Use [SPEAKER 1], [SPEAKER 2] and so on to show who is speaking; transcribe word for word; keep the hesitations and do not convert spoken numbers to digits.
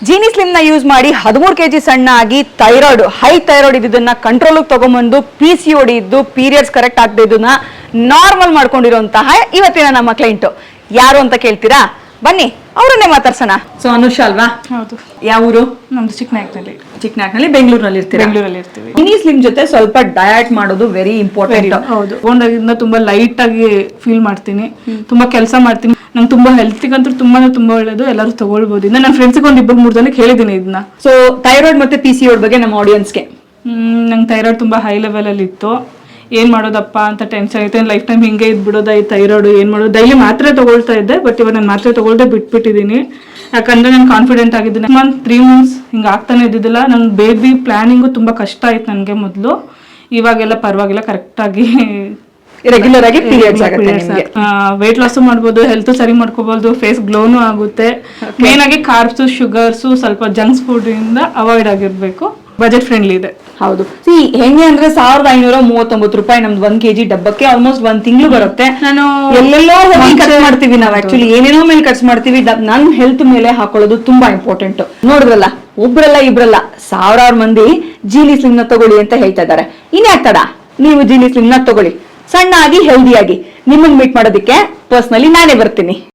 [SPEAKER 1] Jeeni slim ನ use ಮಾಡಿ ಹದಿಮೂರು ಕೆಜಿ ಸಣ್ಣ ಆಗಿ ಥೈರಾಯ್ಡ್ ಹೈ ಥೈರಾಯ್ಡ್ ಇದ್ದನ್ನ ಕಂಟ್ರೋಲ್ ತಗೊಂಡ್ಬಂದು ಪಿ ಸಿ ಓಡಿ ಇದ್ದು ಪೀರಿಯಡ್ಸ್ ಕರೆಕ್ಟ್ ಆಗದೆ ಇದನ್ನ ನಾರ್ಮಲ್ ಮಾಡ್ಕೊಂಡಿರುವಂತಹ ಇವತ್ತಿನ ನಮ್ಮ ಕ್ಲೈಂಟ್ ಯಾರು ಅಂತ ಕೇಳ್ತೀರಾ? ಬನ್ನಿ ಅವರನ್ನೇ ಮಾತಾಡ್ಸೋಣ. ಸೊ ಅನುಷಾ ಅಲ್ವಾ?
[SPEAKER 2] ಹೌದು.
[SPEAKER 1] ಯಾವ ಊರು?
[SPEAKER 2] ನಮ್ದು ಚಿಕ್ಕನಾಯಕ್ನಲ್ಲಿ.
[SPEAKER 1] ಚಿಕ್ಕನಾಯಕ್ನಲ್ಲಿ ಬೆಂಗಳೂರಿನಲ್ಲಿ ಇರ್ತೀವಿ.
[SPEAKER 2] ಬೆಂಗಳೂರಲ್ಲಿ ಇರ್ತೀವಿ.
[SPEAKER 1] ಜೀನಿ ಸ್ಲಿಮ್ ಜೊತೆ ಸ್ವಲ್ಪ ಡಯಟ್ ಮಾಡೋದು ವೆರಿ ಇಂಪಾರ್ಟೆಂಟ್.
[SPEAKER 2] ಹೌದು. ತಗೊಂಡಾಗಿಂದ ತುಂಬಾ ಲೈಟ್ ಆಗಿ ಫೀಲ್ ಮಾಡ್ತೀನಿ, ತುಂಬಾ ಕೆಲಸ ಮಾಡ್ತೀನಿ. ನಂಗೆ ತುಂಬಾ ಹೆಲ್ತಿಗಂತೂ ತುಂಬಾನೇ ತುಂಬಾ ಒಳ್ಳೇದು. ಎಲ್ಲರೂ ತಗೊಳ್ಬಹುದು. ಇನ್ನ ನನ್ನ ಫ್ರೆಂಡ್ಸ್ಗೆ ಒಂದ್ ಇಬ್ಬರು ಮೂರು ಜನಕ್ಕೆ ಹೇಳಿದೀನಿ ಇದನ್ನ.
[SPEAKER 1] ಸೊ ಥೈರಾಯ್ಡ್ ಮತ್ತೆ ಪಿ ಸಿ ಓಡ್ ಬಗ್ಗೆ ನಮ್ಮ ಆಡಿಯನ್ಸ್ಗೆ.
[SPEAKER 2] ಹ್ಮ್ ನಂಗೆ ಥೈರಾಯ್ಡ್ ತುಂಬಾ ಹೈ ಲೆವೆಲ್ ಅಲ್ಲಿ ಇತ್ತು. ಏನ್ ಮಾಡೋದಪ್ಪ ಅಂತ ಟೆನ್ಷನ್ ಐತೆ. ಲೈಫ್ ಟೈಮ್ ಹಿಂಗೆ ಇದ್ಬಿಡೋದ ಈ ಥೈರಾಯ್ಡ್ ಏನ್ ಮಾಡೋದು. ಡೈಲಿ ಮಾತ್ರೆ ತಗೊಳ್ತಾ ಇದ್ದೆ, ಬಟ್ ಇವಾಗ ನಾನು ಮಾತ್ರೆ ತಗೊಳ್ದೆ ಬಿಟ್ಬಿಟ್ಟಿದ್ದೀನಿ. ಯಾಕಂದ್ರೆ ನಾನು ಕಾನ್ಫಿಡೆಂಟ್ ಆಗಿದ್ದೀನಿ. ಮಂತ್ ತ್ರೀ ಮಂತ್ಸ್ ಹಿಂಗೆ ಆಗ್ತಾನೆ ಇದ್ದಿದ್ದಿಲ್ಲ. ನನ್ನ ಬೇಬಿ ಪ್ಲಾನಿಂಗು ತುಂಬಾ ಕಷ್ಟ ಆಯ್ತು ನನಗೆ ಮೊದಲು. ಇವಾಗೆಲ್ಲ ಪರವಾಗಿಲ್ಲ, ಕರೆಕ್ಟ್ ಆಗಿ
[SPEAKER 1] ರೆಗ್ಯುಲರ್ ಆಗಿ ಪೀರಿಯಡ್ಸ್ ಆಗುತ್ತೆ ನಿಮಗೆ.
[SPEAKER 2] ವೇಟ್ ಲಾಸ್ ಮಾಡ್ಬೋದು, ಹೆಲ್ತ್ ಸರಿ ಮಾಡ್ಕೋಬಹುದು, ಫೇಸ್ ಗ್ಲೋನು ಆಗುತ್ತೆ. ಮೇನ್ ಆಗಿ ಕಾರ್ಬ್ಸ್, ಶುಗರ್ಸ್, ಸ್ವಲ್ಪ ಜಂಕ್ಸ್ ಫುಡ್ ಇಂದ ಅವಾಯ್ಡ್ ಆಗಿರ್ಬೇಕು. ಬಜೆಟ್ ಫ್ರೆಂಡ್ಲಿ ಇದೆ.
[SPEAKER 1] ಹೌದು. ಸಿ ಹೆಂಗೆ ಅಂದ್ರೆ ಸಾವಿರದ ಐನೂರ ಮೂವತ್ತೊಂಬತ್ತು ರೂಪಾಯಿ ನಮ್ದು ಒಂದ್ ಕೆಜಿ ಡಬ್ಬಕ್ಕೆ ಆಲ್ಮೋಸ್ಟ್ ಒಂದ್ ತಿಂಗಳು ಬರುತ್ತೆ.
[SPEAKER 2] ನಾನು
[SPEAKER 1] ಎಲ್ಲೆಲ್ಲೋ ಹೋಗಿ ಖರ್ಚು ಮಾಡ್ತೀವಿ ನಾವು. ಆಕ್ಚುಲಿ ಏನೇನೋ ಮೇಲೆ ಖರ್ಚು ಮಾಡ್ತೀವಿ. ನನ್ ಹೆಲ್ತ್ ಮೇಲೆ ಹಾಕೊಳ್ಳೋದು ತುಂಬಾ ಇಂಪಾರ್ಟೆಂಟ್. ನೋಡಿದ್ರಲ್ಲ, ಒಬ್ರಲ್ಲ ಇಬ್ರಲ್ಲ ಸಾವಿರಾರು ಮಂದಿ ಜೀನಿ ಸ್ಲಿಮ್ ನ ತಗೊಳ್ಳಿ ಅಂತ ಹೇಳ್ತಾ ಇದ್ದಾರೆ. ಇನ್ಯಾಕ್ ತಡ, ನೀವು ಜೀನಿ ಸ್ಲಿಮ್ ನ ತಗೊಳ್ಳಿ. ಸಣ್ಣ ಆಗಿ ಹೆಲ್ದಿ ಆಗಿ ನಿಮ್ಮನ್ನ ಮೀಟ್ ಮಾಡೋದಕ್ಕೆ ಪರ್ಸನಲಿ ನಾನೇ ಬರ್ತೀನಿ.